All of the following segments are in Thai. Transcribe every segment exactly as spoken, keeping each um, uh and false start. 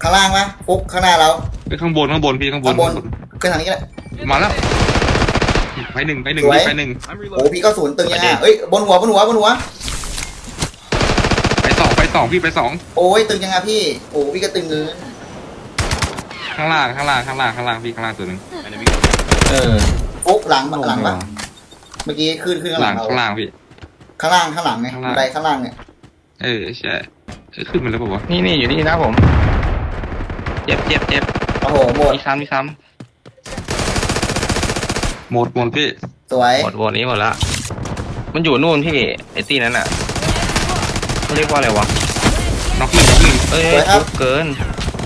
ข้างล่างปะปุ๊บข้างหน้าเราไปข้างบนข้างบนพี่ข้างบนข้างบนขึ้นทางนี้ก็ได้มาแล้วไปหนึ่งไปหนึ่งสวยไปหนึ่งโอ้พี่ก็ศูนย์ตึงยังไงเอ้ยบนหัวบนหัวบนหัวไปสองไปสองพี่ไปสองโอ้ยตึงยังไงพี่โอ้พี่ก็ตึงเงินข้างล่างข้างล่างข้างล่างข้างล่างพี่ข้างล่างตัวหนึ่งเออปุ๊บหลังหลังปะเมื่อกี้ขึ้นขึ้นข้างหหลัลังงเราข้างล่างพี่ข้างล่างข้างหลังไงข้างล่างบันไดข้างล่างเนี่ยเออใช่เออขึ้นมาแล้วป่าวะนี่นี่อยู่นี่นะผมเจ็บเจ็บเจ็บโอ้โหหมดมีซ้ำมีซ้หมดหมดพี่สวยำหมดวนนี้หมดละมันอยู่นู่นพี่ไอ้ตีนั้นอ่ะเขาเรียกว่าอะไรวะน็อกหนึ่งน็อกหนึ่งเอ้ยฟุกเกิน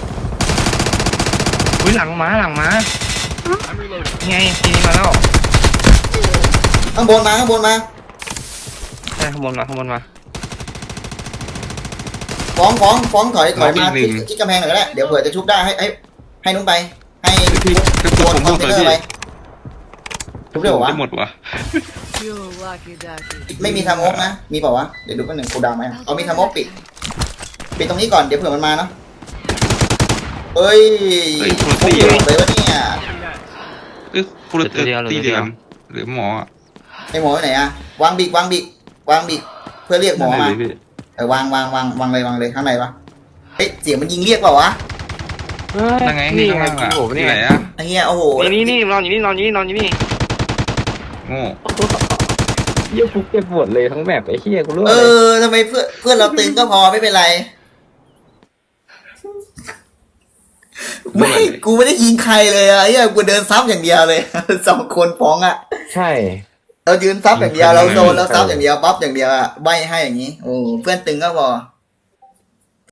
อุ้ยหลังม้าหลังม้าไงทีนี้มาแล้วข้างบนมาข้างบนมาใช่ข้างบนมาข้างบนมาฟ้องฟ้องฟ้องถอยถอยมาที่ที่กำแพงหน่อยก็ได้เดี๋ยวเผื่อจะชุบได้ให้ให้ให้นุ้งไปให้พี่กระโดสุนนผมคหอมนดเทเลยนเนอพี่ร์ไปชุบได้เหรอวะได้หมดวะ You lucky ducky. ไม่มีทามกนะมีเปล่าวะเดี๋ยวดูกันหนึ่งกูดาวไหมเอามีทามกปิดปิดตรงนี้ก่อนเดี๋ยวเผื่อมันมาเนาะเอ้ยเฮ้ยโคตรพวกตีเดียวเลยวะเนี่ยเอ้ยคนละตีเดียวหรือหมออ่ะไอหมออยู่ไหนอะวางบิกวางบิกวางบิกเพื่อเรียกหมอมาเลยพี่เออวางวางวางวางเลยวางเลยข้างในวะเฮ้ยเสียงมันยิงเรียกเปล่าวะยังไงนี่ข้างล่างอ่ะผมที่นี่ไหนอ่ะไอ้เหี้ยโอ้โหนี่นี่นอนอยู่นี่นอนอยู่นี่นอนอยู่นี่โง่เยี่ยฟุกเจ็บปวดเลยทั้งแบบไอ้เหี้ยกูรู้เออทำไมเพื่อนเพื่อนเราตึงก็พอไม่เป็นไรไม่กูไม่ได้ยิงใครเลยอะไอ้เหี้ยกูเดินซับอย่างเดียวเลย สองคนฟ้องอะใช่เรายืนซับอย่างเดียวเราโดนเราซับอย่างเดียวปั๊บอย่างเดียวอะใบให้อย่างนี้โอ้เพื่อนตึงก็พอ